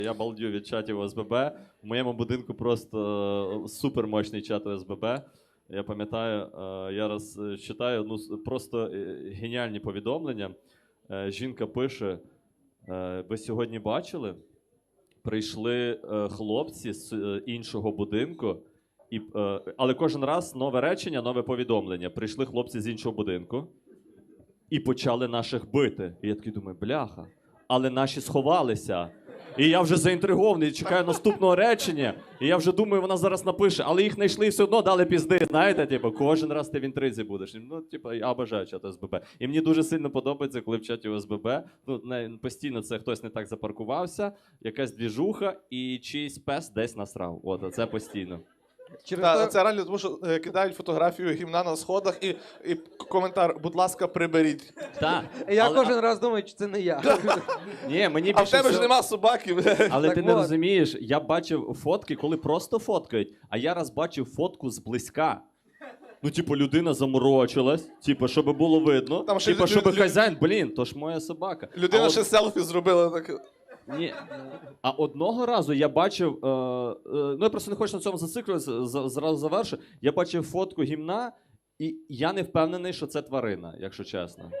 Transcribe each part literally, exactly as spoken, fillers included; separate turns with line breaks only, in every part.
Я балдю від чатів О С Б Б. В моєму будинку просто супермощний чат О С Б Б. Я пам'ятаю, я раз читаю ну, просто геніальні повідомлення. Жінка пише, ви сьогодні бачили? Прийшли хлопці з іншого будинку, і, але кожен раз нове речення, нове повідомлення. Прийшли хлопці з іншого будинку і почали наших бити. І я такий думаю, бляха, але наші сховалися. І я вже заінтригований, чекаю наступного речення, і я вже думаю, вона зараз напише, але їх знайшли і все одно дали пізди, знаєте, типу, кожен раз ти в інтризі будеш. Ну, типу, я бажаю чат О С Б Б. І мені дуже сильно подобається, коли в чаті О С Б Б, ну, не, постійно це хтось не так запаркувався, якась двіжуха і чийсь пес десь насрав. От, це постійно.
Через та, то... Це реально, тому що е, кидають фотографію гімна на сходах і, і коментар, будь ласка, приберіть.
Так.
Я
але...
кожен раз думаю, чи це не я.
Ні, мені
а в тебе
всього...
ж нема собаки.
Але
так
ти
от.
не розумієш, я бачив фотки, коли просто фоткають, а я раз бачив фотку зблизька. Ну, типу, людина заморочилась, типу, щоб було видно,
Там ще
типу,
лю-
щоб
лю-
хазяїн, блін, то ж моя собака.
Людина
а
ще
от...
селфі зробила. Так...
Ні. А одного разу я бачив, е, е, ну я просто не хочу на цьому зациклюватися, з- зразу завершу, я бачив фотку гімна, і я не впевнений, що це тварина, якщо чесно.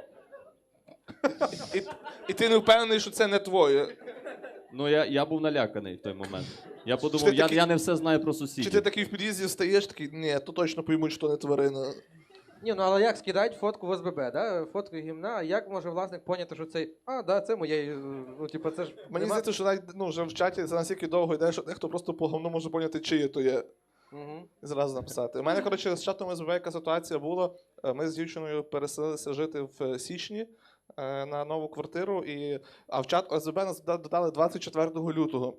І, і ти не впевнений, що це не твоє.
Ну, я, я був наляканий в той момент. Я
Чи
подумав,
ти
я,
такий-
я не все знаю про
Чи
сусідів.
ти такий в під'їзді стаєш, такий, ні, то точно поймуть, що не тварина.
Ні, ну але як скидають фотку в О С Б Б, да? Фотку гімна, а як може власник поняти, що цей, а, да, це моє, ну, типу, це ж...
Мені
нема-
здається, що навіть ну, вже в чаті це настільки довго йде, що дехто просто по говну може поняти, чиє то є.
Угу.
І зразу написати. У мене, коротше, з чатом О С Б Б яка ситуація була. Ми з дівчиною переселилися жити в січні е, на нову квартиру, і... а в чат О С Б Б нас додали двадцять четвертого лютого.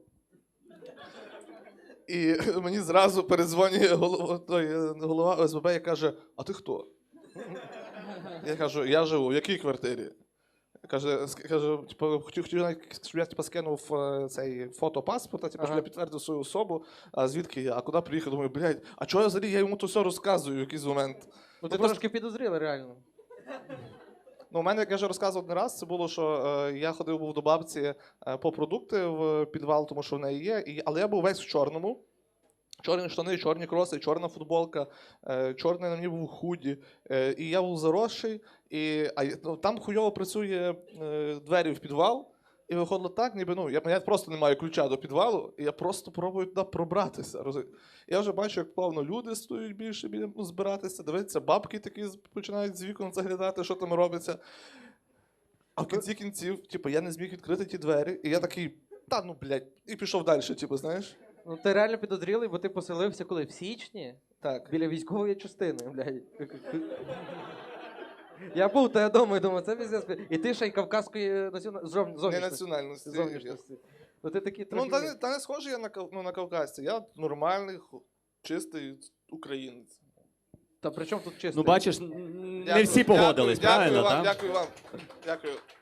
І мені зразу передзвонює голова, той, голова О С Б Б і каже, а ти хто? Я кажу, я живу, в якій квартирі? Каже, каже типу, хотів, хотів навіть, щоб я типу, скинув е, цей фото паспорта, типу, щоб
Ага.
я підтвердив свою особу, а звідки я, а куди приїхав, думаю, блядь, а чого я взагалі, я йому то все розказую в якийсь момент.
Ну ти
просто-
трошки підозріла, реально.
Ну, у мене, як я вже розказував один раз, це було, що е, я ходив був до бабці е, по продукти в підвал, тому що в неї є, і, але я був весь в чорному. Чорні штани, чорні кроси, чорна футболка, е, чорний на мені був худі. Е, і я був заросший, і а, ну, там хуйово працює е, двері в підвал, і виходило так, ніби ну, я, я просто не маю ключа до підвалу, і я просто пробую туди пробратися. Роз... Я вже бачу, як плавно люди стоять більше біля ну, збиратися, дивитися, бабки такі починають з вікон заглядати, що там робиться. А в кінці кінців, типу, я не зміг відкрити ті двері, і я такий, та ну, блядь, і пішов далі, типу, знаєш?
Ну ти реально підозрілий, бо ти поселився коли? В січні?
Так.
Біля військової частини, блядь. Я був, то я думаю, думаю, це пиздец. І ти ще й кавказької націона... зов-
Не
зовнішності.
національності.
Зовнішності. Ну ти такий трохи...
Ну, та, не- та не схожий я на, кав- ну, на кавказця. Я нормальний, ху- чистий українець.
Та при чому тут чисто?
Ну, бачиш, н- не
Дякую,
всі погодились,
дякую,
правильно,
дякую вам,
так?
дякую вам. Дякую.